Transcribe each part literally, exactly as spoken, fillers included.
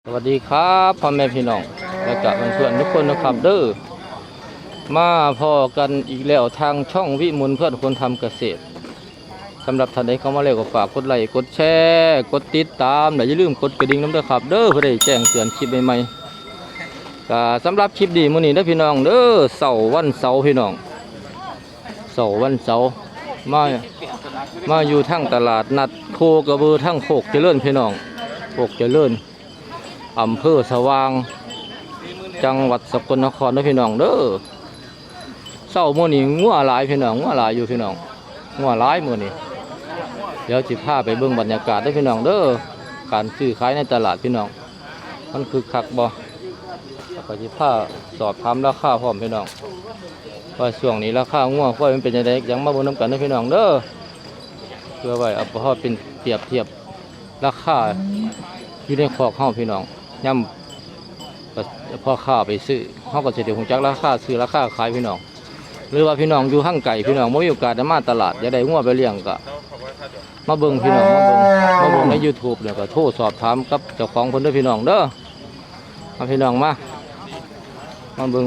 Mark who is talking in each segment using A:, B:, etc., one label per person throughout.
A: สวัสดีครับพ่อแม่พี่น้องและกับเพื่อนๆทุกคนนะครับเด้อมาพอกันอีกแล้วทางช่องวิมลเพื่อนคนทำเกษตรสำหรับท่านใดเข้ามาแล้วก็ฝากกดไลค์กดแชร์กดติดตามและอย่าลืมกดกระดิ่งน้ำด้วยครับเด้อเพื่อได้แจ้งเตือนคลิปใหม่ๆก็สำหรับคลิปดีมื้อนี้เด้อพี่น้องเด้อเสาร์วันเสาร์พี่น้องเสาร์วันเสาร์มามาอยู่ทั้งตลาดนัดโคกระบือทั้งโคกเจริญพี่น้องโคกเจริญอำเภอสว่างจังหวัดสกลนครนะพี่น้องเด้อเศร้ามื้อนี้งัวหลายพี่น้องงัวหลายอยู่พี่น้องงัวหลายมื้อนี้เดี๋ยวจิพาไปเบิ่งบรรยากาศได้พี่น้องเด้อการซื้อขายในตลาดพี่น้องมันคือคักบ่แล้วก็จิพาสอบถามราคาพร้อมพี่น้องว่าช่วงนี้ราคางัวควายมันเป็นจังได๋ยังมาเบิ่งนำกันนะพี่น้องเด้อเพื่อไว้เอาพอเป็นเปรียบเทียบราคาอยู่ในคอกเฮาพี่น้องย่ำพอข้าไปซื้อเฮาก็สิได้ฮู้จักราคาซื้อราคาขายพี่น้องหรือว่าพี่น้องอยู่ห่างไกลพี่น้องบ่มีโอกาสได้มาตลาดอยากได้งัวไปเลี้ยงก็มาเบิ่งพี่น้องมาเบิ่งมาเบิ่งใน YouTube แล้วก็โทรสอบถามกับเจ้าของเพิ่นเด้อพี่น้องเด้อมาพี่น้องมามาเบิ่ง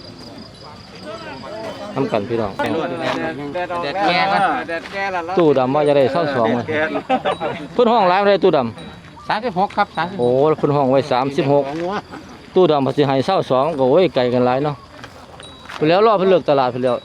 A: ทำกันพี่น้องแดดแก่กันตู้ดำว่าจะได้เท่าสองเลยเพิ่นห้องร้านอะไรตู้ดำ
B: สามสิบหกครับสาม
A: โอ้เพิ่นห้องไว้สามสิบหกตู้ดำภาษีให้เท่าสองก็โอ้ยไกลกันหลายเนาะไปแล้วรอบเพิ่นเลิกตลาดไปแล้ว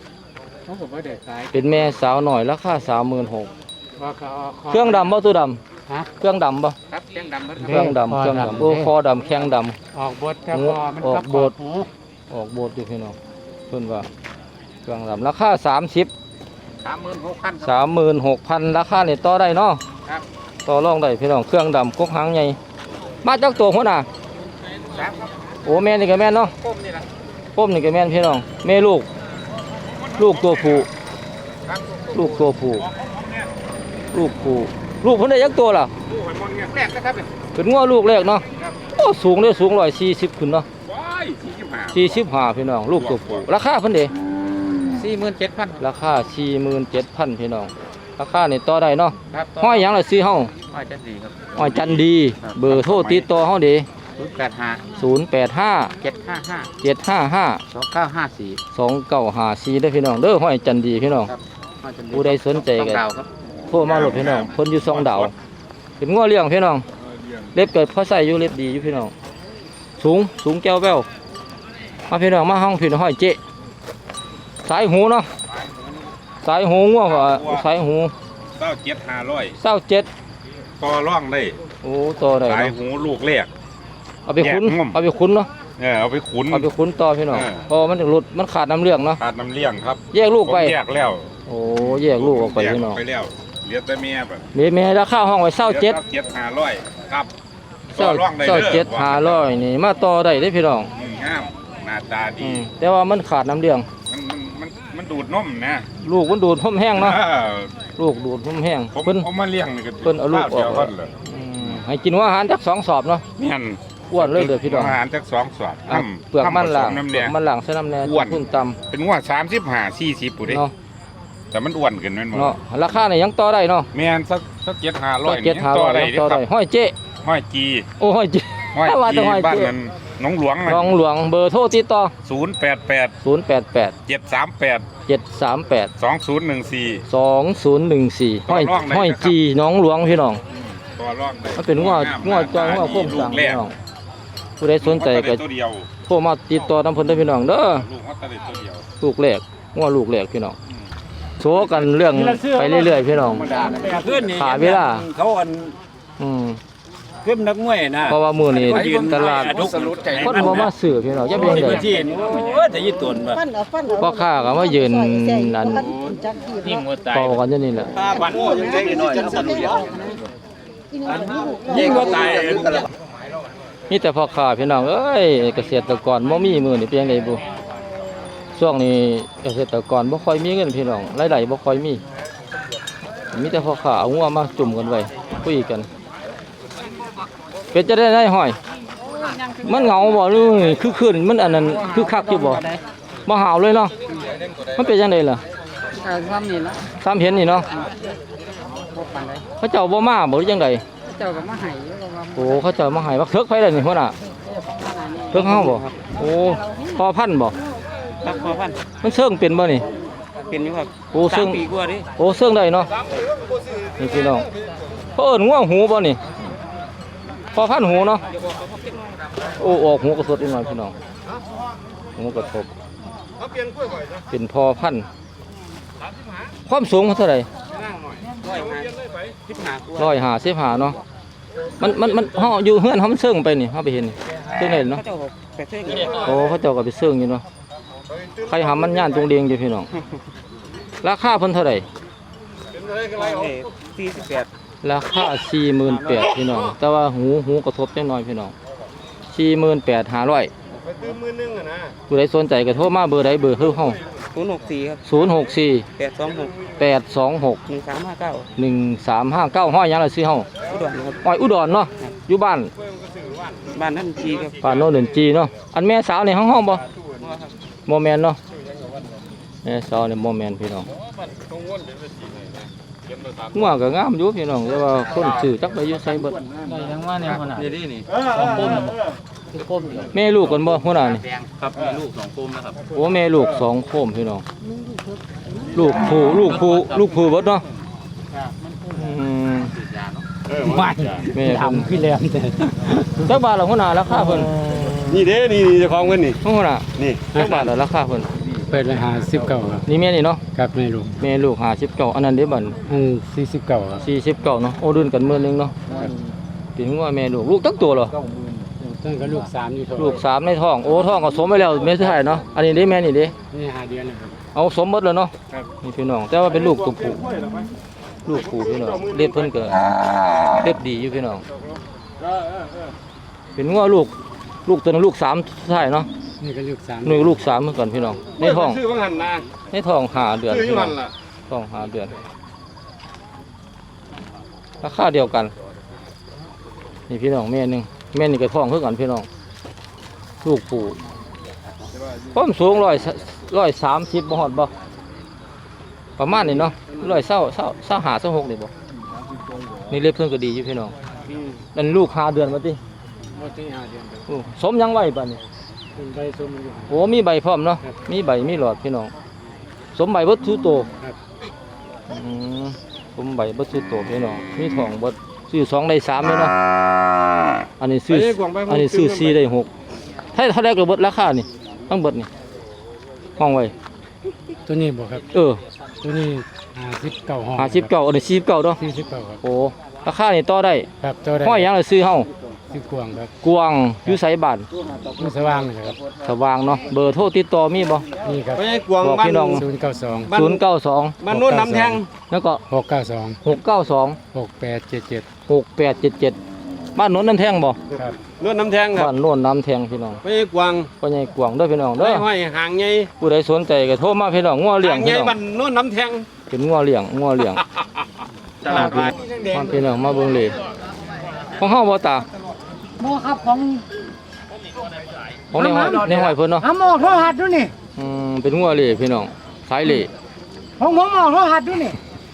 A: เป็นแม่สาวหน่อยราคาสามหมื่นหกเครื่องดำบ่ตู้ดำเครื่องดำบ่
B: ครับเครื่องดำ
A: เครื่องดำเครื่องดำโอ้คอดำแข้งด
B: ำออกบดแต่พอมัน
A: ออกบดออกบดอยู่พี่น้องเพิ่นว่าเครื่องดำราคาสามสิบ
B: สามหมื่นหกพัน
A: สามหมื่นหกพันราคาเนี่ยต่อได้เนาะต่อรองได้พี่น้องเครื่องดำกกหางใหญ่มาจากตัวหัวหน้าโอ้แม่นี่ก็แม่นเนาะ
B: ก้มนี่นะ
A: ก้มนี่ก็แม่นพี่น้องแม่ลูกลูกตัวผู้ลูกตัวผู้ลูกผู้ลูกเพิ่นได้ยักตัวล่ะ
B: ลูกหอยมนแรกนะครับ
A: เป็นงัวลูกแรกเนาะโอ้สูงเลยสูงร้อยสี่สิบขึ้นเนาะสี่สิบห้าพี่น้องลูกตัวผู้ราคาเพิ่นเด้
B: สี่หมื่นเจ็ดพัน
A: ราคาสี่หมื่นเจ็ดพันพี่น้องราคานี่ต่อได้เนาะห้อยหยังล่ะซื้อเฮา
B: ห้อยจันดีครับ
A: ห้อยจันดีเบอร์โทรติดต่อเฮาเด้
B: ศูนย์แปดห้า
A: ศูนย์แปดห้า
B: เจ็ดห้าห้า
A: เจ็ดห้าห้า
B: สองเก้าห้าสี่
A: สองเก้าห้าสี่ได้พี่น้องเด้อห้อยจันดีพี่น้องผู้ใดสนใจก็โทรมาโหลดพี่น้องเพิ่นอยู่สองดาวเป็นงัวเลี้ยงพี่น้องเล็บเกิดเขาใส่อยู่เล็บดีอยู่พี่น้องสูงสูงแก้วแป้วมาพี่น้องมาห้องพี่น้องห้อยเจ๊สายหูเนาะสายหูงัวก็สายหู
C: เศร้าเจ็ดห้าร้อย
A: เศร้าเจ็ด
C: ต่อร่องได้
A: โอ้ต่อได้
C: สายหูลูกแรก
A: เอาไปขุนเอาไปขุนเนาะ
C: เออเอาไปขุน
A: เอาไปขุนต่อพี่น้องเพราะมันถึงหลุดมันขาดน้ำเลี้ยงเนาะ
C: ขาดน้ำเลี้ยงครับ
A: แยกลูกไป
C: แยกแล้ว
A: โอ้แยกลูกออกไปพี่น้อง
C: ไปแล้วเหลือแต่เมียแบบ
A: เมียเมียราคาห้องไว้เศร้าเจ็ด
C: เจ็ดห้าร้อยครับ
A: เศร้าเศร้าเจ็ดห้าร้อยนี่มาต่อได้ได้พี่น้อง
C: งามหน้าตาดี
A: แต่ว่ามันขาดน้ำเลี้ยง
C: มันมันมันดูดนมนะ
A: ลูกมันดูดนมแห้งเนาะลูกดูดนมแห้ง
C: เพิ่นเอามาเลี้ยงนี่ก็
A: เพิ่นเอาลูกออกให้กินว่าอาหารจักสองสอบเนาะ
C: แม่น
A: อ้วนเลยเด้อพี่น้อง
C: อาหารจักสองสอบ
A: เปลือกมันหลังเปลือกมันหลังใส่น้ำแหน่พุ่นต่
C: ำเป็นว่าสามสิบห้าสี่สิบปุ๋ยเนาะแต่มันอ้วนขึ้นแม่นบ่
A: เนาะราคาเนี่ยยังต่อได้เนาะ
C: แม่นสักสักเจ็ดห้าร้อย
A: เจ็ดห้าร้อยต่อได้ห้อยเจ๊
C: ห้อยจี
A: โอ้ห้อยจี
C: ห้อยจีบ้านนั้นน้องหลวง
A: น้องหลวงเบอร์โทรติดต่อ
C: ศูนย์แปดแปด
A: ศูนย์แปดแปด
C: เจ็ดสามแปด
A: เจ็ดสามแปด
C: สองศูนย์หนึ่งสี่
A: สองศูนย์หนึ่งสี่ห้อยห้อยจีน้องหลวงพี่น้องมันเป็นงัวงัวจอยงัวโค้งสั่งพี่น้องผู้ใดสนใจก็โทรมาติดต่อทำเพิ่นได้พี่น้องเด้อลูกแรกงัวลูกแรกพี่น้องโชว์กันเรื่องไปเรื่อยๆพี่น้องขาเวลา
B: เขาอัน
A: อืม
B: ขึ้นนักมวยนะ
A: เพราะว่ามือนี้ตลาดคนบ่มาซื้อพี่น้องจะเป็นไง
B: โอ้ยจะยืดตัวมา
A: พ่อค้าก็มายืนนั่นเป่ากันอยู่นี่แหละ
B: ยิ่งก็ตาย
A: นี่แต่พ่อค้าพี่น้องเอ้ยเกษตรกรบ่มีมือนี่เป็นยังไงบุช่วงนี้เกษตรกรบ่ค่อยมีเงินพี่น้องรายได้บ่ค่อยมีมีแต่พ่อค้าเอางัวมาจุ่มกันไว้คุยกันเป็นจะได้ได้ห้อยมันเหงาบ่หรือคือคืนมันอันนั้นคือคักอยู่บ่บ่หาวเลยเนาะมันเป็นยังไงล่ะ
B: ซ้ำนี่ละ
A: ซ้ำเห็นนี่เนาะพระเจ้าบ่มาบ่หรือยังไง
B: เจ้าก็มาให้
A: โอ้เขาเจะมาให้บักเถิกไปเลยนี่หัวหน้าเถิกเฮาบ่โอ้พอพันธุ์บ่
B: ครับพอพัน
A: มันเชิงเป็นบ่นี่
B: เป็นอยู่ครับ
A: โอ้เชิง
B: สามปีกว่าดิ
A: โอ้เชิงได้เนาะนี่พี่น้องเขาเอิ้นง่วงหูบ่นี่พอพันธุ์หูเนาะโอ้ออกหูกระสดอีกหน่อยพี่น้องหูกระทบเป็นพอพันธุ์ความสูงเขาเท่าไหร่
B: ร้อยห้าสิบห้ากว่า
A: ร้อยห้าสิบห้าเนาะมันมันมันเฮาอยู่เฮือนเฮามันเชิงไปนี่เฮาไปเห็นนี่เชิงได้เนาะ
B: เขาเจ้าบอกแปดเท่ง
A: โอ้เขาเจ้าก็ไปเชิงอยู่เนาะใครหามันย่านตรงเดียงอยู่พี่น้องราคาเพิ่นเท่าไหร่
B: สี่สิบแปด
A: ราคา สี่หมื่นแปดพัน พี่น้องแต่ว่าหูหูกระทบจังน้อยพี่น้อง สี่หมื่นแปดพันห้าร้อย
D: ไปตื้อมือนึงอะนะ
A: ผู้ใดสนใจก็โทรมาเบอร์ใดเบอร์คือเฮา
B: ศูนย์หกสี่ครับ
A: ศูนย์ หก สี่
B: แปดสองหก
A: แปด สอง หก
B: หนึ่งสามห้าเก้า
A: หนึ่ง สาม ห้า เก้าห้อยหยังล่ะซื้อเฮา
B: อุดรครับ
A: ห้อยอุดรเนาะอยู่บ้าน
B: บ้านนั่นจีครับ
A: บ้านโนนเดินจีเนาะอันแม่สาวนี่ห้องห้องบ่บ่แม่นเนาะแม่สาวนี่บ่แม่นพี่น้องงัวก็งามอยู่พี่น้องแต่ว่าคนซื้อจักไปอยู่ไสเบิด
B: ได้ทั้งว่าเนี่ยคนน่ะนี่นี่
D: สองปุ่ม
A: แม่ลูกกันบ่หัวหน้านี่
B: ครับมีลูกสองปุ่มนะครับ
A: โอ้แม่ลูกสองโคมพี่น้องลูกผู้ลูกผู้ลูกผู้เบิดเนาะอืม
D: ไม่
A: แม่เพิ่น
B: พี่แหลมแต่
A: จักบาทละหัวหน้าราคาเพิ่น
D: นี่เด้นี่นี่เจ้าของเงินนี่
A: หัวหน้า
D: นี่
A: จักบาทละราคาเพิ่น
E: เปิดไปหาสิบเก้าครับ
A: นี่แม่นี่เนาะ
E: ครับไม่รู้
A: แม่ลูกห้าสิบเก้าอันนั้นเด้บัด
E: อันสี่สิบเก้าครับ
A: สี่สิบเก้าเนาะโอ้ดุนกันมื้อนึงเนาะเป็นงัวแม่ลูกลูกจักตัวเหรอ
E: ต้นก็ลูกสามอยู่ท้อง
A: ลูกสามในท้องโอ้ท้องก็สมไปแล้วแม่สุดท้ายเนาะอันนี้เด้แม่นี่เด้
E: นี่หาเดือนเลยครับ
A: เอาสมหมดแล้วเนาะนี่พี่น้องแต่ว่าเป็นลูกตัวผู้ลูกผู้พี่น้องเล็บเพิ่นก็เล็บดีอยู่พี่น้องเป็นงัวลูกลูกตัวนึงลูกสามสุดท้ายเนาะ
E: นี่ก็ลูกสาม
A: หนึ่งลูกสามเหมือนกันพี่น้องในท้อง
D: ซื้อบังหันนะ
A: ในท้องหาเดือน
D: ซื้ออยู่
A: พี่น้
D: หั
A: อง
D: นล่ะ
A: ท้องหาเดือนราคาเดียวกันนี่พี่น้องแม่หนึงแม่นี่ก็ท้องคือกันพี่น้องลูกผู้ความสูงร้อยร้อยสามสิบบ่ฮอดบ่ประมาณนี้เนาะร้อยเศร้าเศร้าเศร้าหาเศร้าหกนี่บ่นี่เล็บเพิ่นก็ดีอยู่พี่น้องนั่นลูกหาเดือนมาติ
E: ว่าที่หาเดือนครับ
A: โอ้สมยังไว้ป่ะนี่
E: เป็นใบส้มมันอยู่
A: โอ้มีใบพร้อมเนาะ
E: ครับ
A: มีใบมีหลอดพี่น้องสมใบเบิดทุกโต
E: ครับ
A: อืมสมใบเบิดทุกโตพี่น้องมีทองเบิดซื้อสองได้สามเลยเนาะอันนี้ซื้ออันนี้ซื้อสี่ได้หกถ้าถ้าได้ก็เบิดราคานี่ทั้งเบิดนี่ห้องไว้
E: ตัวนี้บอกครับ
A: เออ
E: ตัวนี้หาสิบเก้าห้อง
A: ห้าสิบเก้าอันนี้สี่สิบเก้าเนาะ
E: สี่สิบเก้าครับ
A: โอ้ราคานี่ต่อได้
E: ครับตัวได้
A: ห้อยหยังเลยซื้อเฮา
E: สิบกวางครับ
A: กวางอยู่ไสบ้าน
E: มันสว่างเลยครับ
A: สว่างเนาะเบอร์โทรติดต่อมีบ่
E: นี่ครับ
D: ไม่ใช่กวาง
A: บอก
D: บ้า
A: พี่
D: น
A: น้อง
E: ศูนย์เก้าสอง
D: บ้าน
A: ศูนย์เก้าสอง
D: บ้านโน้นน้ำแทง
A: แล้วก็
E: หกเก้าสอง
A: หกเก้าสอง
E: หกแปดเจ็ดเจ็ด
A: หกแปดเจ็ดเจ็ดบ้านโน้นน้ำแทงบ่
E: ครับ
D: โน้นน้ำแทงครับ
A: บ้านโน้นน้ำแทงพี่น้อง
D: ไม่ใช่กวาง
A: พ่อใหญ่กวางเด้อพี่น้องเด้
D: ไม่
A: อ
D: ห้อยหางใหญ่
A: ผู้ใดสนใจก็โทรมาพี่น้องงัวเลี้ย
D: หาง งให
A: พี่
D: ญ่
A: น้อง
D: บ้านโน้นน้ำแทง
A: เป็นงัวเลี้ยงงัวเลี้ยง
D: ตลาดไป
A: มาพี่น้องมาเบิ่งเลยของเฮาบ่ตา
F: หมอครับของ
A: ของในห้อยในห้อยเพิ่นเนาะ
F: หาหมอโทรหัสด้วยนี่
A: อืมเป็นงัวเลี้ยพี่น้องสายเลี้ย
F: ของผมหมอโทรหัสด้วยนี่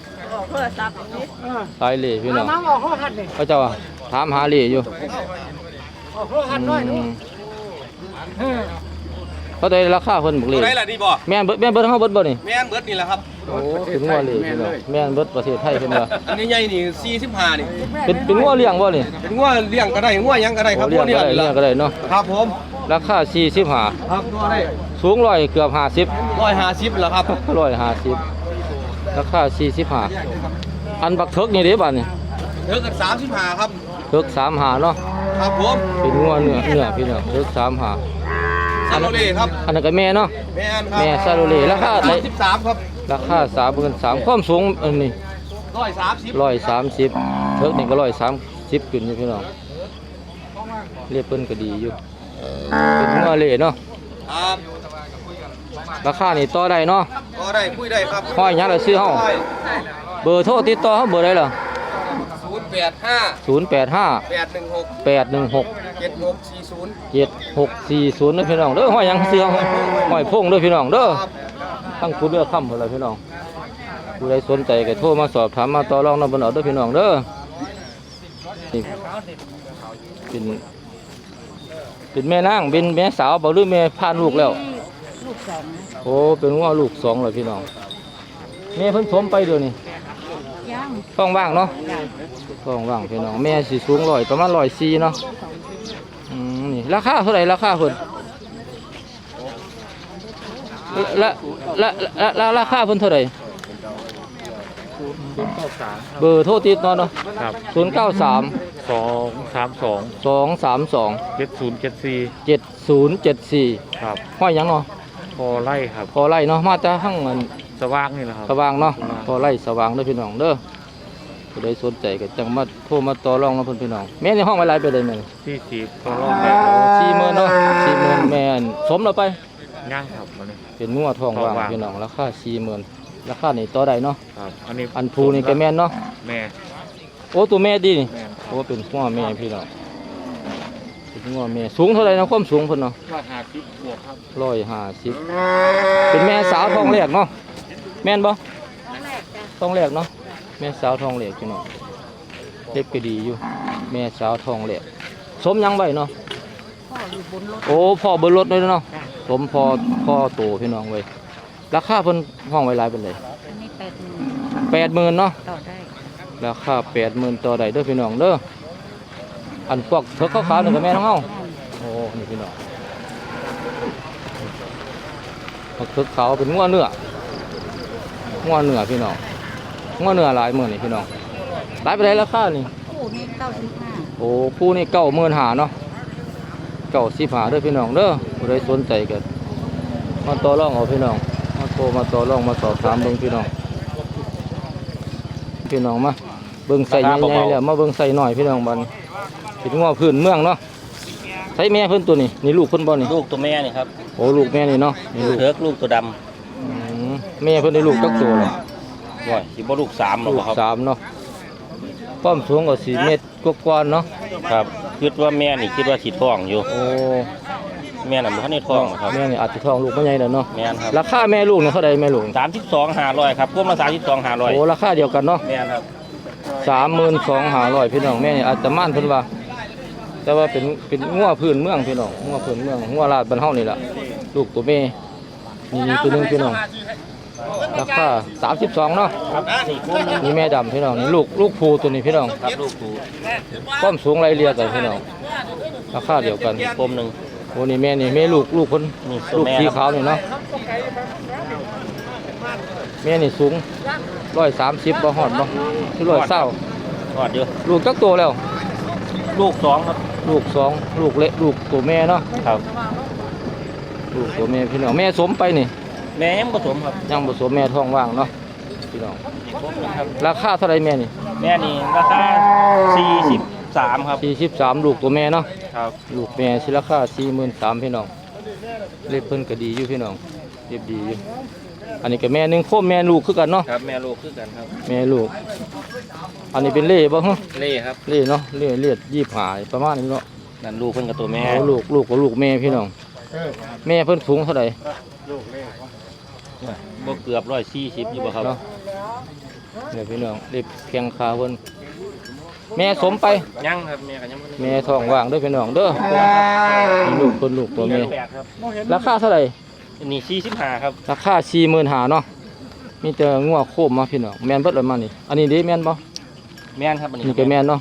A: สายเลี้ยพี่น้อง
F: มาหมอโทรหัสนี่
A: เขาเจ้าว่าถามหาเลี้ยอยู่
F: หมอโทรหัสน้อย
A: อื
F: นู่น
A: ม
F: เออ
A: เขาได้ราคาเพิ่นบักเลี้ย
D: ได้ละดีบ่
A: แม่นเบิดแม่นเบิดเฮาเบิดบ่นี่
D: แม่นเบิดนี่แหละครับ
A: โอ้เป็นงัวเลี้ยพี่น้องแม่นเบิดประเทศไทยเพิ่นว่า
D: อันนี้ใหญ่นี่สี่สิบห้านี่
A: เป็นเป็นงัวเลี้ยงบ่นี่
D: เป็นงัวเลี้ยงก็ได้งัวหยังก็ได้ครับ
A: โอ้เลี้ยงก็ได้
D: นี่
A: เลี้ยงก็ได้เนาะ
D: ครับผม
A: ราคาสี่สิบห้า
D: ครับงัวได้
A: สูงร้อยเกือบห้าสิบ
D: ร้อยห้าสิบแล้วครับ
A: ร้อยห้าสิบราคาสี่สิบห้าอันบักเถิกนี่เด้บัดนี่
D: เท่ากับสามสิบห้าครับ
A: เถิกสามหาเนาะ
D: ครับผม
A: เป็นงัวเนื้อเนื้อพี่น้องเถิกสามหา
D: ซาโลเล่ครับ
A: อันนั้นก็แม่เนาะ
D: แม่นครับ
A: แม่ซาโรเล่ราคาได้
D: สิบสามครับ
A: ราคาสามหมื่นสามความสูงอันนี้
D: ร้อยสามสิบ
A: ร้อยสามสิบเถิกนี่ก็ร้อยสามสิบขึ้นอยู่พี่น้องเรียบเพิ่นก็ดีอยู่เป็นงัวเล่เนาะ
D: ครับ
A: ราคานี่ต่อได้เนาะ
D: ก็ได้คุยได้ครับ
A: ห้อยหยังล่ะซื้อเฮาเบอร์โทรติดต่อเฮาเบอร์ใดล่ะ
D: ศูนย์แปดห้า
A: ศูนย์แปดห้า
D: แปดหนึ่งหก
A: แปดหนึ่งหก
D: เจ็ดหกสี่ศูนย์
A: เจ็ดหกสี่ศูนย์เด้อพี่น้องเด้อห้อยหยังเสือห้อยพงเด้อพี่น้องเด้อ
D: ครับ
A: ทั้งผู้เลือกค่ำหมดเลยพี่น้องผู้ใดสนใจก็โทรมาสอบถามมาต่อรองนำบนเอาเด้อพี่น้องเด้อนี่เป็นเป็นแม่นางเป็นแม่สาวบ่หรือแม่พานลูกแล้ว
G: ลูกสอง
A: โอ้เป็นว่าลูกสองเลยพี่น้องแม่เพิ่นสมไปเดี๋ยวนี้
G: ย่าง
A: ท้องว่างเนาะท้องว่างพี่น้องแม่สิสูงร้อยประมาณร้อยสี่เนาะอืมนี่ราคาเท่าไหร่ราคาเพิ่นละละละละราคาเพิ่นเท่าไหร่เบอร์โทรติดเนาะเนาะ
E: ครับ
A: ศูนย์เก้าสาม
E: สองสามสอง
A: สองสามสอง
E: เจ็ดศูนย์เจ็ดสี่
A: เจ็ดศูนย์เจ็ดสี่
E: ครับ
A: ห้อยหยังเนาะ
E: พอไล่ครับ
A: พอไล่เนาะมาจากข้างมัน
E: สว่างนี่แหละครับ
A: สว่างเนาะพอไล่สว่างเด้อพี่น้องเด้อผู้ใดสนใจก็จังมาโทรมาต่อรองเนาะเพิ่นพี่น้องแม่ในห้องไว้หลายไปเลยแม่น
E: ที่สีพอรอบแรก
A: สี่หมื่นเนาะสี่หมื่นแม่นสมแล้วไป
E: ย่างครับอันนี้
A: เป็นงัวทองว่าง
E: ทองว่าง
A: พี่น้องราคาสี่หมื่นราคานี่ต่อได้เนาะ
E: ครับอันนี้
A: อันภูนี่ก็แม่นเนาะ
E: แม่
A: โอ้ตัวแม่ดีนี่
E: แม่
A: โอ้เป็นงัวแม่พี่น้องเป็นงัวแม่สูงเท่าไหร่นะความสูงเพิ่นเนาะ
E: ว่าหาสิบบวกครับ
A: ร้อยห้าสิบเป็นแม่สาวทองแรกเนาะแม่นบ่
G: แรกจ้ะ
A: ทองแรกเนาะแม่สาวทองแรกพี่น้องเล็บก็ดีอยู่แม่สาวทองแรกสมยังไว้เนาะ
G: พ่ออยู่บนรถ
A: โอ้พ่อเบนรถเลยเนาะสมพอพ่อโตพี่น้องไว้ราคาเพิ่นห้องไว้หลายเป็นเลย
G: อันนี้แปดหมื่น
A: แปดหมื่นเนาะ
G: ต่อได้
A: ราคาแปดหมื่นต่อใดเด้อพี่น้องเด้ออันพวกเถกขาวๆนี่ก็แม่น้องเฮาโอ้นี่พี่น้องพวกเถกขาวเป็นงัวเนื้องัวเนื้อพี่น้องงัวเนื้อหลายหมื่นนี่พี่น้องหลายไปได้ราคานี่
G: คู่นี้เก้าสิบห้า
A: โอ้คู่นี่เก้าหมื่นหาเนาะเก้าสิบหาเด้อพี่น้องเด้อผู้ใดสนใจกันมาต่อรองเอาพี่น้องมาโทรมาต่อรองมาสอบถามเบิ่งพี่น้องพี่น้องมาเบิ่งใส่ใหญ่ๆแล้วมาเบิ่งใส่หน่อยพี่น้องบัดนเป็นง้อพื้นเมืองเนาะใส่แม่เพิ่นตัวนี้นี่ลูกเพิ่นบ่นี่
B: ลูกตัวแม่นี่ครับ
A: โอ้ลูกแม่นี่เนาะนี่ลูก
B: เถิกลูกตัวด
A: อืมแม่เพิ่นได้ลูกจักตัวแล้ว
B: ำว่าสิบ่ลูกสามหรอ
A: ลูก
B: ครับ
A: สามเนาะความสูงก็สี่เมตรกว่าๆเนาะ
B: ครับคิดว่าแม่นี่คิดว่าสิท้องอยู่
A: โอ้
B: แม่น่ะบ่ทันได้ท้องครับ
A: แม่นี่อาจจะท้องลูกบ่ใหญ่แล้วเนาะ
B: แม่นครับ
A: ราคาแม่ลูกเนี่ยเท่าใดแม่ลูก
B: สามสิบสองห้าร้อยครับพวกมาสามสิบสองห้าร้อย
A: โอ้ราคาเดียวกันเนาะ
B: แม่นครับ
A: สามหมื่นสองห้าร้อยพี่น้องแม่นี่อาจจะม่านเพิ่นว่า แต่ว่าเป็นเป็นงัวพื้นเมืองพี่น้องงัวพื้นเมืองงัวลาดบ้านเฮานี่ล่ะลูกตัวแม่นี่นี่ตัวหนึงพี่น้องราคาสามสิบสองเนาะ
B: ครับสี่คู่นึง
A: นี่แม่ดำพี่น้องนี่ลูกลูกภูตัวนี้พี่น้อง
B: ครับลูกคู่
A: ความสูงไล่เรียกันพี่น้องราคาเดียวกัน
B: กลมหนึง
A: โอ้นี่แม่นี่แม่ลูกลูกคน
B: นี่ตัว
A: ลูก
B: แม่
A: สีขาวนี่เนาะแม่นี่สูงร้อยสามสิบบ่ฮอดบ่ที่ร้อยเศร้า
B: ทอดอยู่
A: ลูกจักตัวแล้ว
B: ลูกสองครับ
A: ลูกสองลูกเล็กลูกตัวแม่เนาะ
B: ครับ
A: ลูกตัวแม่พี่น้องแม่สมไปนี่
B: แม่ยังผสมครับ
A: ยังผสมแม่ท้องว่างเนาะพี่น้อง
B: ครบนะครับ
A: ราคาเท่าไรแม่นี่
B: แม่นี่ราคาสี่สิบสามครับ
A: สี่สิบสามลูกตัวแม่เนาะ
B: ครับ
A: ลูกแม่สิราคาสี่หมื่นสามพี่น้องเล็บเพิ่นก็ดีอยู่พี่น้องเล็บดีอยู่อันนี้ก็แม่หนึงโคมแม่ลูกคือกันเนาะ
B: ครับแม่ลูกคือกันครับ
A: แม่ลูก อันนี้เป็นเล่บ่ฮะ
B: เล่ครับ
A: เล่เนาะเล่เลียดยี่สิบห้าประมาณนี้เนาะ
B: นั่นลูกเพิ่นกับตัวแม่
A: โอ้ลูกลูกกับลูกแม่พี่น้องแม่เพิ่นสูงเท่าไหร่
B: บ่เกือบร้อยสี่สิบอยู่บ่ครับ
A: เนาะเนี่ยพี่น้องเล็บเพียงขาเพิ่นแม่สมไป
B: ยังครับแม่กันยังบ่ได้
A: แม่ท้องว่างเด้อพี่น้องเด้อนี่ลูกคนลูกตัวแม่
B: แปดครับ
A: ราคาเท่าไหร่
B: อันนี้สี่สิบห้าครับ
A: ราคาสี่หมื่นหาเนาะมีแต่งัวโคมมาพี่น้องแม่นเบิดเลยมานี่อันนี้เด้แม่นบ่
B: แม่นครับอันนี้
A: นี่ก็แม่นเนาะ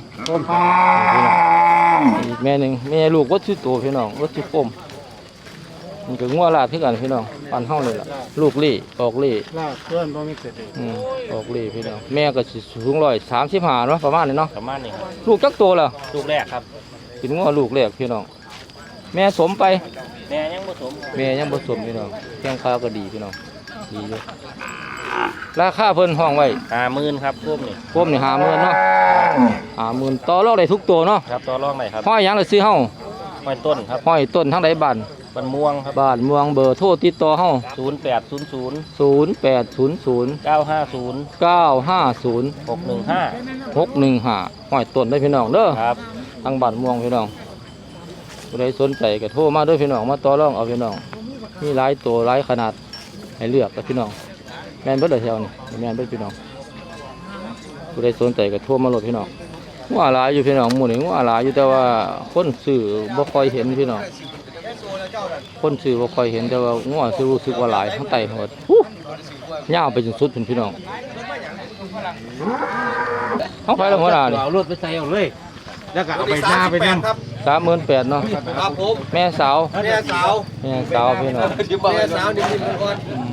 A: อีกแม่หนึงแม่ลูกวัดชื่อโตพี่น้องวัดชื่อโคมนี่ก็งัวลาดคือกันพี่น้องปันเฮานี่ล่ะลูกเล่ออกเล่
E: ลากเพื่อนบ่มีเสร็จ
A: อืมออกเล่พี่น้องแม่ก็สิสูงร้อยสามสิบห้าเนาะประมาณนี้เนาะ
B: ประมาณนี้ครับ
A: ลูกจักโตแล้ว
B: ลูกแรกครับ
A: เป็นงัวลูกแรกพี่น้องแม่สมไป
B: แม่ยังผสมครับ
A: แม่ยังผสมพี่น้องแข้งขาก็ดีพี่น้องดีอยู่ราคาเพิ่นห้องไว้
B: ห้าหมื่นครับพวกนี้
A: พวมนี่หาหมื่นเนาะหาหมื่นต่อรองได้ทุกตัวเนาะ
B: ครับต่อรองไหนครับ
A: ห้อยหยังเลยซื้อเฮา
B: ห้อยต้นครับ
A: ห้อยต้นทั้งใดบ้าน
B: บันม่วงครับ
A: บ้านเมืองเบอร์โทรติดต่อเฮา
B: ศูนย์แปดศูนย์ศูนย์
A: ศูนย์แปดศูนย์ศูนย์
B: เก้าห้าศูนย์
A: เก้าห้าศูนย์
B: หกหนึ่งห้า
A: หกหนึ่งห้าห้อยต้นได้อพี่น้องเด้อ
B: ครับ
A: ทางบ้านเมืองพี่น้องผู้ใดสนใจก็โทรมาเด้อพี่น้องมาต่อรองเอาพี่น้องมีหลายตัวหลายขนาดให้เลือกกับพี่น้องแม่นเบิดเลยแถวนี่แม่นเบิดพี่น้องผู้ใดสนใจก็โทรมาโหลดพี่น้องงัวหลายอยู่พี่น้องหมู่นี่งัวหลายอยู่แต่ว่าคนซื้อบ่ค่อยเห็นพี่น้องคนซื้อบ่ค่อยเห็นแต่ว่างัวซื้อรู้สึกว่าหลายทั้งไตหมดฮู้ยาวไปจนสุดพี่น้องเอาไปแล้วหัวหน้านี่
E: เอารถไปใส่เอาเลย แล้วก็เอาไปหน้าไปนั่ง
D: ครับ
A: สามหมื่นแปดเนาะ
D: ครับผม
A: แม่สาว
D: แม่สาว
A: แม่สาวพี่น้อง
D: แม่สาวนี่มีคน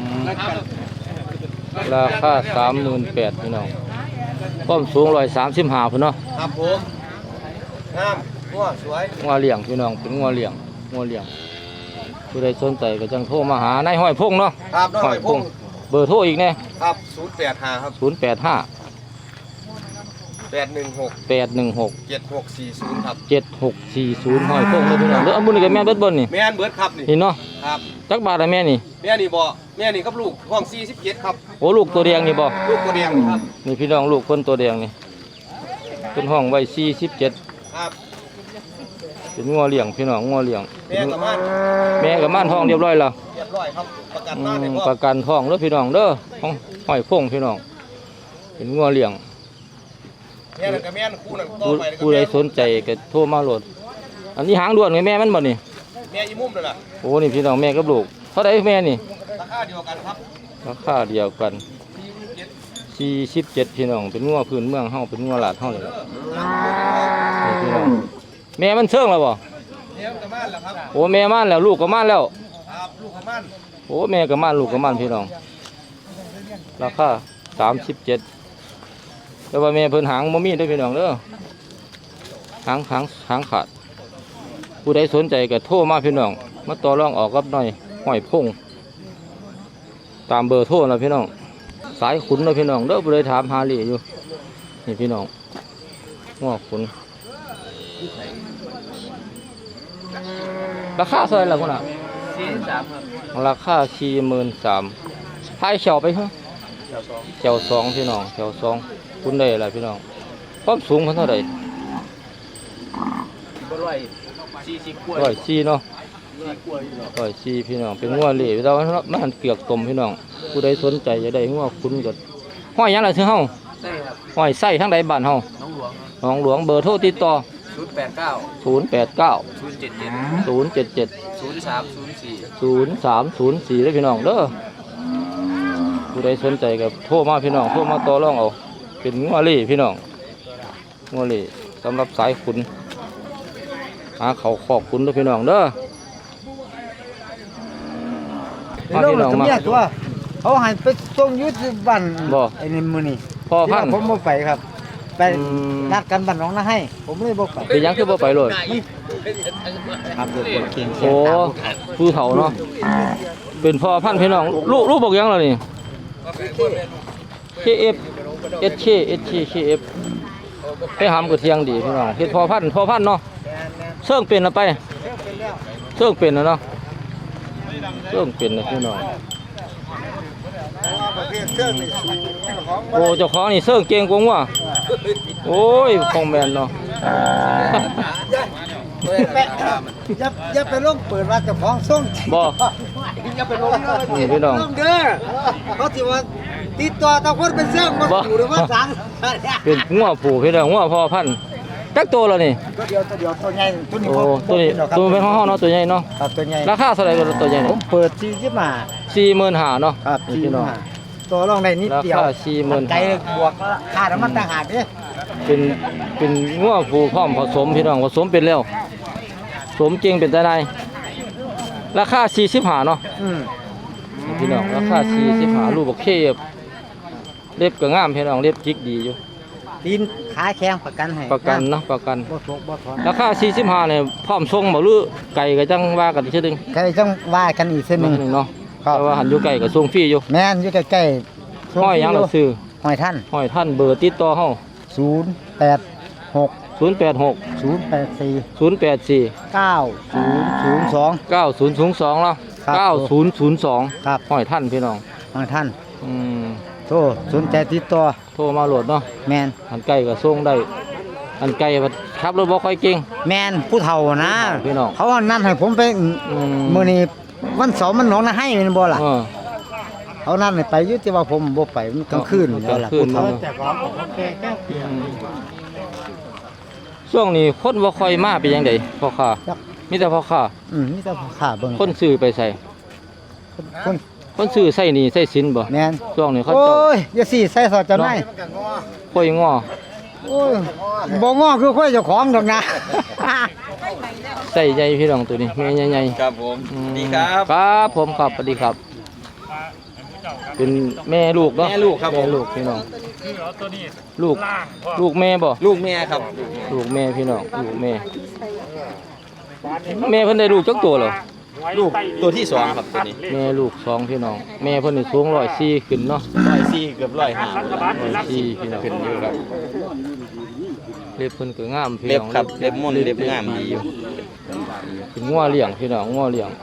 A: ราคาสามหมื่นแปดพี่น้องความสูงร้อยสามสิบห้าพี่น้อง
D: ครับผมงามงัวสวย
A: งัวเลี้ยงพี่น้องเป็นงัวเลี้ยงงัวเลี้ยงผู้ใดสนใจก็จังโทรมาหานายห้อยพงเนาะ
D: ครับน้อง
A: ห้
D: ห
A: อ
D: อย ย
A: พ
D: พ
A: ง
D: ง
A: เบอร์โทรอีกแน่
D: ครับศูนย์แปดห้าครับ
A: ศูนย์แปดห้า
D: แปดหนึ่งหก
A: แปดหนึ่งหก
D: เจ็ดหกสี่ศูนย์ครับ
A: เจ็ดหกสี่ศูนย์ห้อยพงเลยพี่น้องเด้ออันบุญนี่กับแม่เบิดบนนี่
D: แม่นเบิร์ดครับนี่
A: นี่เนาะ
D: ครับ
A: จักบาทละแม่นี่
D: แม่นี่บ่แม่นี่ครับลูกห้องสี่สิบเจ็ดครับ
A: โอ้ลูกตัวแดงนี่บ่
D: ลูกตัวแดงนี่ครับ
A: นี่พี่น้องลูกคนตัวแดงนี่เป็นห้องไว้สี่สิบเจ็ด
D: ครับ
A: เป็นงัวเลี้ยงพี่น้องงัวเลี้ยง
D: แม่กับมัน
A: แม่กับม่านท้องเรียบร้อยแล้ว
D: เรียบร้อยครับประกัน
A: อื
D: มาใน
A: ม
D: พ่อ
A: ประกันท้องเด้อพี่น้องเด้อของห้อยพงพี่น้องเป็นงัวเลี้ยง
D: แม่นั่นกับแม่นคู่นั่นต่อ
A: ผู้
D: ไป
A: ผู้ใดสนใจก็โทรมาโหลดอันนี้หางด่วนไหมแม่มันบ่นี่
D: แม่อีมุมนั่นแหละ
A: โอ้นี่พี่น้องแม่กับลูกเท่าไดแม่นี่
D: ราคาเดียวกันครับ
A: ราคาเดียวกันสี่สิบเจ็ดพี่น้องเป็นงัวพื้นเมืองเฮาเป็นงัวหลาดเฮาเลยล่ะนี่พี่น้องแม่มันเชิงแล้วบ่
D: แม่กับมันแหละครับ
A: โอ้แม่ม่านแล้วลูกก็ม่านแล้ว
D: ครับลูกกับมัน
A: โอ้แม่ก็ม่านลูกก็ม่านพี่น้องราคาสามสิบเจ็ดแต่ว่าแม่เพิ่นหางบ่มีเด้อพี่น้องเด้อหางหางหางขาดผู้ใดสนใจก็โทรมาพี่น้องมาต่อรองออกกับหน่อยห้อยพงตามเบอร์โทรนะพี่น้องสายขุนนะพี่น้องเด้อผู้ใดถามหาเหลี่ยอยู่นี่พี่น้องง้อขุนราคาเท่าไหร่ล่ะคุณอ่ะ
B: สี่สามครับ
A: ราคาสี่หมื่นสามพายเขียวไปเหรอเขียวสองพี่น้องเขียวสองคุณได้อะไรพี่น้องความสูงเพิ่นเท่าไหร่
B: ก็ร้อยสี่สิบกว่า
A: ร้อยสี่เนาะ
B: สี่กว่าอยู่หรอ
A: ร้อยสี่พี่น้องเป็นงัวเหล่แต่ว่ามันเกลือกตมพี่น้องผู้ใดสนใจจะได้งัวคุณก็ห้อยหยังล่ะซื้อเฮา
B: ใช่ครับ
A: ห้อยไส้ทั้งใดบ้านเฮา
B: น้องหลวง
A: หนองหลวงเบอร์โทรติดต่อ
B: ศูนย์แปดเก้า
A: ศูนย์ แปด เก้า
B: ศูนย์เจ็ดเจ็ด
A: ศูนย์ เจ็ด เจ็ด
B: ศูนย์สามศูนย์สี่
A: ศูนย์ สาม ศูนย์ สี่เด้อพี่น้องเด้อผู้ใดสนใจก็โทรมาพี่น้องโทรมาต่อรองเอาเป็นงัวเหล่พี่น้องงัวเหล่สำหรับสายขุนหาเขาขอบขุนเด้อพี่น้องเด้อมาพี่น้องมา
F: ตัวเขาให้ไปส่งยุทธบัน
A: บ่
F: ไอ้นี่มือนี่
A: พ่อพันธุ์
F: ผมบ่ไปครับ ไป
A: อืม
F: นัดกันบันน้องนะให้ ผมเลยบ่ไป
A: เป็นหยังคือบ่ไปเลย
F: ครับเด็กคนเก่ง
A: โอ้ผู้เฒ่าเนาะเป็นพ่อพันธุ์พี่น้องลูกลูกบอกหยังล่ะนี่ เค เอฟ เอช เค เอช เค เค เอฟ ไปหามกระเทียงดีพี่น้องเฮ็ดพ่อพันธุ์พ่อพันธุ์เนาะเสื่องเป็นแล้วไปเสื่องเป็นแล้วเนาะเสื่องเป็นนะพี่น้องโอ้เจ้าของนี่เสื่องเก่งกว่างัวโอ้ยคงแม่นเนาะ
F: อย่าอย่าไปลงเปิดว่าเจ้าของส่ง
A: บ่
F: อย่าไปลงเด้อ
A: นี่พี่น้อง
F: ลงเด้อเขาสิว่าติดต่อตะคนเป็นเสื่องบ่
A: บ่
F: อยู่หรือว่าสัง
A: เป็นงัวผูพี่น้องงัวพ่อพันธุ์จักตัวแล้วนี่
F: ตัวเดียวตัวเดียวตัวใหญ่ตัวนี้
A: โอ้
F: บ่
A: ตัวนี้
F: บ่
A: ตัวเป็นห้องๆเนาะตัวใหญ่เนาะ
F: ครับตัวใหญ่
A: ราคาเท่าไหร่ตัวใหญ่
F: ผ
A: นี่
F: มเปิดสี่สิบห้า
A: สี่หมื่นห้าเนาะ
F: ครับ
A: นี่พี่น้อง
F: ตัวรองได้นิดเดียว
A: ราคาสี่หมื่น
F: ไกลบวกค่าน้ำมันต่างหากเด้
A: เป็นเป็นงัวผูพร้อมผสมพี่น้องผสมเป็นแล้วสมจริงเป็นแต่ใดราคาสี่สิบห้าเนาะ
F: อืม
A: นี่พี่น้องราคาสี่สิบห้ารูปบักเข้เล็บก็งามพี่น้องเล็บจิกดีอยู่
F: ตีนขาแข็งประกันให้
A: ประกันเนาะประกัน
F: บ่ทกบ่ถอน
A: ราคาสี่สิบห้าเนี่ยพร้อมส่งบ่หรือไก่ก็จังว่ากันอีกเทื่อนึง
F: ใครต้องว่ากันอีกเส้นห
A: นึ
F: นึ่ง
A: งเนาะ
F: ครับ
A: แต่ว่าหันอยู่ไก่ก็ส่งฟรีอยู่
F: แม่นอยู่ใกล้ๆส่
A: ห้อยหยังล่ะซื้อ
F: ห้อยท่าน
A: ห้อยท่านเบอร์ติดต่อเฮา
F: ศูนย์แปดหก
A: ศูนย์แปดหก
F: ศูนย์แปดสี่
A: ศูนย์แปดสี่
F: เก้าศูนย์ศูนย์สอง
A: เก้าศูนย์ศูนย์สองแล้ว
F: ครับ
A: เก้าศูนย์ศูนย์สอง
F: ครับ
A: ห้อยท่านพี่น้อง
F: ห้อยท่าน
A: อืม
F: โทรสนใจติดต่อ
A: โทรมาโหลดเนาะ
F: แมน
A: อันไก่ก็ส่งได้ อันไก่ขับรถบ่ค่อยเก่ง
F: แมนผู้เฒ่านะ
A: พี่น้อง
F: เขาว่านั่นให้ผมไป
A: อืม
F: มื้อนี้วันเสาร์มันหนองนาให้แม่นบ่ล่ะ
A: เออ
F: เขานั่นให้ไปอยู่แต่ว่าผมบ่ไปมันกลางคืน
A: ก
F: แล้
A: ลาว ง
F: ล่ะ
A: คืน
F: ผู้เฒ่า
A: เนาะ
F: แต่ของผมแก่แก่เปลี่ยน
A: อืมช่วงนี้คนบ่ค่อยมาเป็นยังไงพ่อค้ามีแต่พ่อค้า
F: อืมนี่แต่ขาเบิ่ง
A: คนซื้อไปใส่
F: คน
A: คนซื้อใส่หนี่ใส่สินบ่
F: แม่น
A: ช่วงนี้เขา
F: โอ้
A: เจ้าย
F: อย่าสิใส่สอดเจ้านาย
A: ค่อยง้อ
F: โอ้ยบ่ง้อคือค่อยเจ้าของดอกนะ
A: ใส่ใหญ่พี่น้องตัวนี้แม่ใหญ่ๆ
D: ครับผม
A: อืม
D: ดีครับ
A: ครับผมครับสวัสดีครับ เป็นแม่ลูกเนาะ
D: แม่ลูกครับผม
A: แม่ลูกพี่น้องลูกลูกแม่บ่
D: ลูกแม่ครับ
A: ลูกแม่พี่น้องลูกแม่แม่เพิ่นได้ลูกจักตัวเหรอ
D: ลูกตัวที่สองครับตัวนี้
A: แม่ลูกสองพี่น้องแม่เพิ่นนี่สูงร้อยสี่ขึ้นเนาะ
D: ร้อยสี่เกือบร้อยห้า
A: ร้อยสี่พี่น้อง
D: ขึ้นอยู่ครับ
A: เล็บเพิ่นก็งามพี่
D: เล็บ
A: น้อง
D: ครับเล็บม่นเล็บงามดีอยู่
A: เป็นงัวเลี้ยงพี่น้องงัวเลี้ยง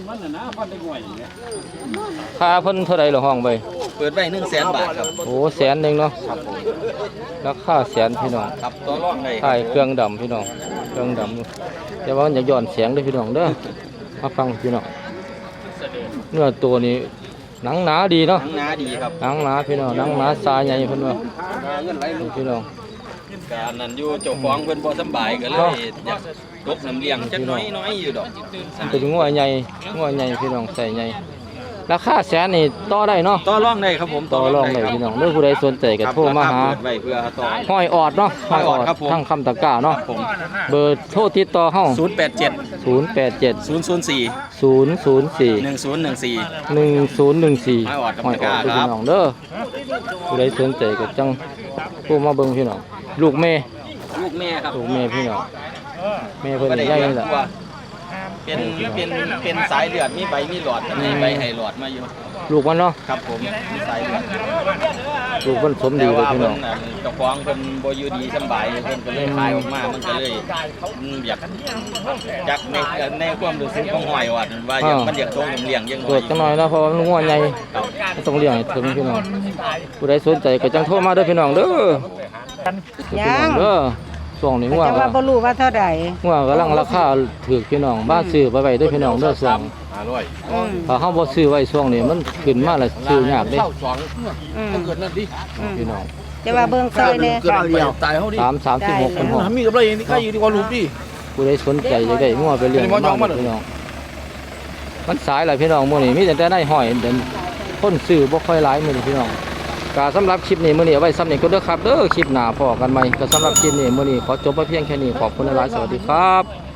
A: ค่าเพิ่นเท่าใดเหรอห้องไป
D: เปิดไว้หนึ่งแสนบาทครับ
A: โอ้แสนหนึงเนาะราคาแสนพี่น้อง
D: ครับตัวรองเลย
A: ถ่ายเครื่องดำพี่น้องเครื่องดำแต่ว่ามันอยากย้อนเสียงเด้วยพี่น้องเด้อมาฟังพี่น้องเนื้อตัวนี้หนังหนาดีเนาะ
D: หนังหนาดีครับ
A: หนังหนาพี่น้องหนังหนาสายใหญ่เพิ่นว่า
D: เงินไหลลูก
A: พี่น้อง
D: การนั้นอยู่เจ้าของเพิ่นบ่สำบายก็เลยอยากตกน้ำเลี้ยงจักหน้อยน้อยอยู่ดอก
A: มันเป็นงัวใหญ่งัวใหญ่พี่น้องใส่ใหญ่ราคาแสนนี่ต่อได้เนาะ
D: ต่อรองได้ครับผม
A: ต่อรองได้พี่น้องเด้อผู้ใดสนใจก็
D: ครับ
A: โทรมาหา
D: เปิดไว้เพื่อต่อ
A: ห้อยออดเนาะ
D: ห้อยออดครับผม
A: ทั้งคำตะกร้าเนาะ
D: ผม
A: เบอร์โทรติดต่อเฮา
D: ศูนย์แปดเจ็ด
A: ศูนย์แปดเจ็ด
D: ศูนย์ศูนย์สี่
A: ศูนย์ศูนย์สี่
D: หนึ่งศูนย์หนึ่งสี่
A: หนึ่งศูนย์หนึ่งสี่
D: ห้อยออดกับ
A: ห้อยออด
D: ตะกร้า
A: พี่
D: ครับ
A: น้องเด้อผู้ใดสนใจก็จังผู้มาเบิ่งพี่น้องลูกแม่
D: ลูกแม่ครับ
A: ลูกแม่พี่น้องแม่เพิ่น
D: บ่ได้
A: ใหญ่
D: เลี้ยง
A: นี่แหละ
D: ตัวเป็นเป็นเป็นสายเลือดมีใบมีหลอดมีใบให้หลอดมาอยู่
A: ลูกมันเนาะ
D: ครับผมมีสายเลือด
A: ลูกมันสมดี
D: แต่
A: เลย
D: ว่า
A: พี่
D: เพิ่
A: น้อง
D: นน่ะเจ้าของเพิ่นบ่อยู่ดีสำบายเพิ่นก็เลยขายออกมามันก็เลยอืมอยากจักในในความรู้สึกของหอยว่าว่าอยากมันอยากโตเลี้ยงยังน้
A: ตร
D: อ
A: วย จจังหน่อยนะเพราะว่ามันงัวใหญ่
D: ครับ
A: มันต้องเลี้ยงให้ถึงพี่น้องผู้ใดสนใจก็จังโทรมาเด้อพี่น้องเด้อพี่น้องเด้อช่วงนี้งัว
G: แต่ว่าบ่รู้ว่าเท่าใด
A: งัวกำลังราคาถูกพี่น้องบ้านซื้อไปไว้เด้อพี่น้องเด้อช่วง
G: อืม
A: ถ้าเฮาบ่ซื้อไว้ช่วงนี้มันขึ้นมาแล้วซื้อยากเด้
G: อืม
A: พี่น้อง
G: แต่ว่าเบิ่งซอยแน่
A: สาม สามสิบหกเป็นหก
E: มีกับไรนี่ใครอยู่ดีกว่าลูกดิ
A: ผู้ใดสนใจจะได้งัวไปเลี้ยง
E: เป็นหมอยอง
A: บ้า
E: มัน
A: นพี่น้องมันสายหลายพี่น้องมื้อนี้มีแต่ได้ได้ห้อยเดินคนซื้อบ่ค่อยหลายมื้อนี้พี่น้องก็สำหรับคลิปนี้มื้อนี้เอาไว้ซ้ำนี้ก็เด้อครับเด้อคลิปหน้าพอกันใหม่ก็สำหรับคลิปนี้มื้อนี้ขอจบไปเพียงแค่นี้ขอบคุณหลายๆสวัสดีครับ